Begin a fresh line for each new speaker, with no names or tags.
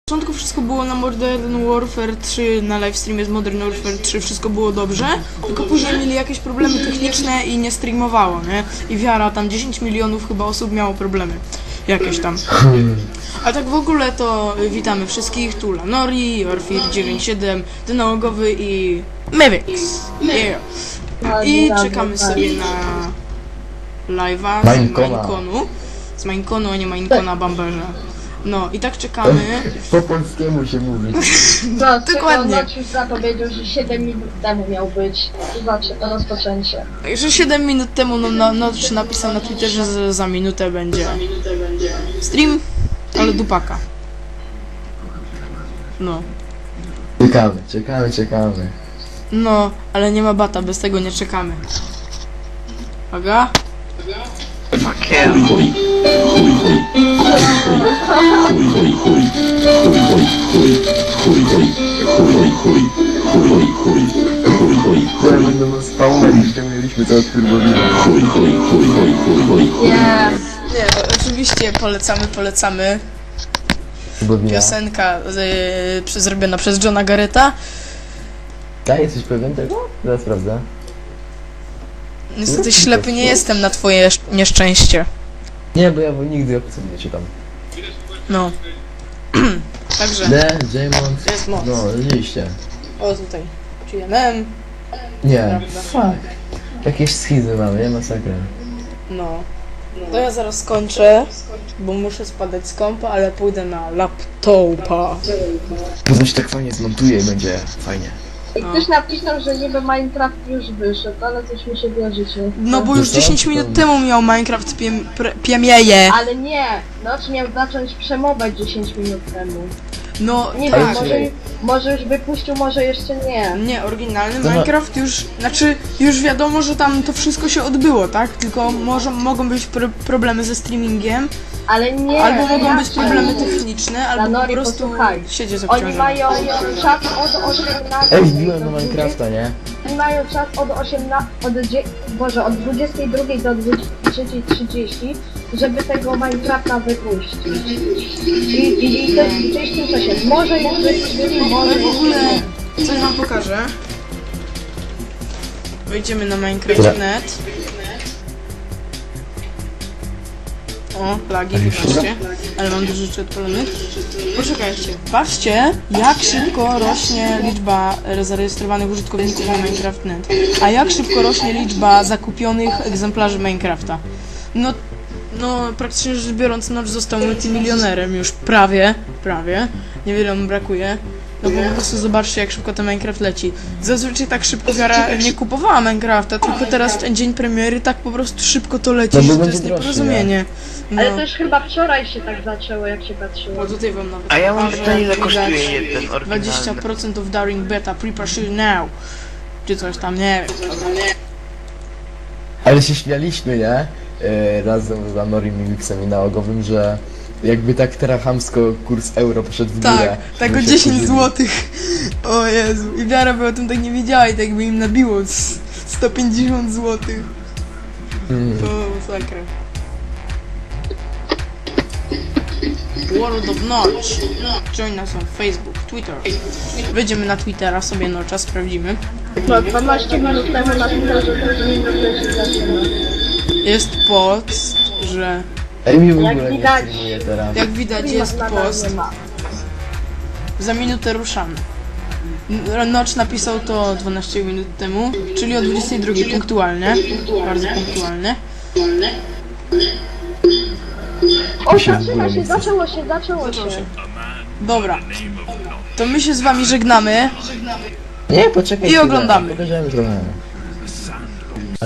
W początku wszystko było na Modern Warfare 3, na livestreamie z Modern Warfare 3 wszystko było dobrze, tylko później mieli jakieś problemy techniczne i nie streamowało, nie? I wiara, tam 10 milionów chyba osób miało problemy. Jakieś tam. A tak w ogóle to witamy wszystkich, tu Lanori, Orfir 97, Dynałogowy i Mevix. Yeah. I czekamy sobie na live'a z Mineconu. Z Mineconu, a nie Minecona Bamberza. No i tak czekamy.
Po polskiemu się mówi.
No,
Dokładnie.
Nocz już zapowiedział, że 7 minut temu miał być rozpoczęcie.
Także 7 minut temu Notch napisał na Twitterze, że za minutę będzie stream, ale dupaka. No.
Czekamy.
No, ale nie ma bata, bez tego nie czekamy. Aga?
Będą spawnem, jeszcze mieliśmy to od turbowina.
Nie, oczywiście polecamy. Piosenka zrobiona przez Johna Garretta.
Tak, jesteś pewien tego? Zaraz sprawdzę.
Niestety ślepy nie jestem na twoje nieszczęście.
Nie, bo ja nigdy opisów nie czytam.
No. Także.
J-Mont.
Jest moc.
No, rzeczywiście.
O, tutaj. GNM.
Nie.
Prawda.
Fuck. Jakieś schizy mamy, nie masakra.
No. To ja zaraz skończę, bo muszę spadać z kompa, ale pójdę na laptopa.
Potem się tak fajnie zmontuje i będzie fajnie.
I ktoś napisał, że niby Minecraft już wyszedł, ale coś mi się wierzycie.
No bo już
Co?
10 minut temu miał Minecraft piemieje.
Ale nie! Nocz miał zacząć przemować 10 minut temu.
No
Nie
tak.
wiem, może już wypuścił, może jeszcze nie.
Nie, oryginalny
To
Minecraft już, znaczy już wiadomo, że tam to wszystko się odbyło, tak? Tylko mogą być problemy ze streamingiem,
Ale nie!
albo mogą być
raczej.
problemy techniczne, albo po
Lanori,
prostu
posłuchaj.
siedzi
Oni
zaobciążony.
mają czas od 18.
Ej, wbiłem do Minecrafta, nie?
Oni mają czas od 18, od 22 do 23:30, żeby tego Minecrafta wypuścić. I to jest gdzieś w tym czasie. Może już wypuścili, może
Ale w
jeszcze
ogóle
nie.
coś wam pokażę. Wejdziemy na Minecraft.net. O, lagi, patrzcie. Ale mam dużo rzeczy odpalonych. Poczekajcie. Patrzcie, jak szybko rośnie liczba zarejestrowanych użytkowników na Minecraft.net. A jak szybko rośnie liczba zakupionych egzemplarzy Minecrafta. No, praktycznie rzecz biorąc, Notch został multimilionerem już prawie. Niewiele mu brakuje. No bo po prostu zobaczcie, jak szybko ten Minecraft leci. Zazwyczaj tak szybko wiara nie kupowała Minecrafta, tylko teraz w ten dzień premiery tak po prostu szybko to leci,
No bo
że to
będzie
jest
droższy,
nieporozumienie. No.
Ale to już chyba wczoraj się tak zaczęło, jak się patrzyło.
O, tutaj wam nawet
A ja mam
pokażę,
pytanie, ile
jak
kosztuje
widać
jeden oryginalny?
20% of Daring Beta, prepare shield now. Czy coś tam, nie wiem.
Ale się śmialiśmy, nie? Razem z Lanorim i Mixem i Nałogowym, że jakby tak teraz chamsko kurs euro poszedł w górę.
Tak o
żeby się
10
wkurzyli.
zł. O Jezu. I wiara by o tym tak nie wiedziała i tak by im nabiło 150 zł. To masakra. World of Notch. Join nas na Facebook, Twitter. Wejdziemy na Twittera, sobie Notcha sprawdzimy.
No, 12 minut temu na Twitterze też nie wiem, się zaczyna.
Jest post, że
Ej, mi w
Jak
ogóle nie
widać-
streamuje teraz.
jak widać jest
Nadal
post.
nie ma.
Za minutę ruszamy. Notch napisał to 12 minut temu, czyli o 22 punktualnie. Bardzo punktualnie.
O,
się w
zaczyna
ogóle
się,
nie chce.
zaczęło się.
Dobra. To my się z wami żegnamy.
Nie, poczekaj.
I
chwilę,
oglądamy.
Pokażemy trochę.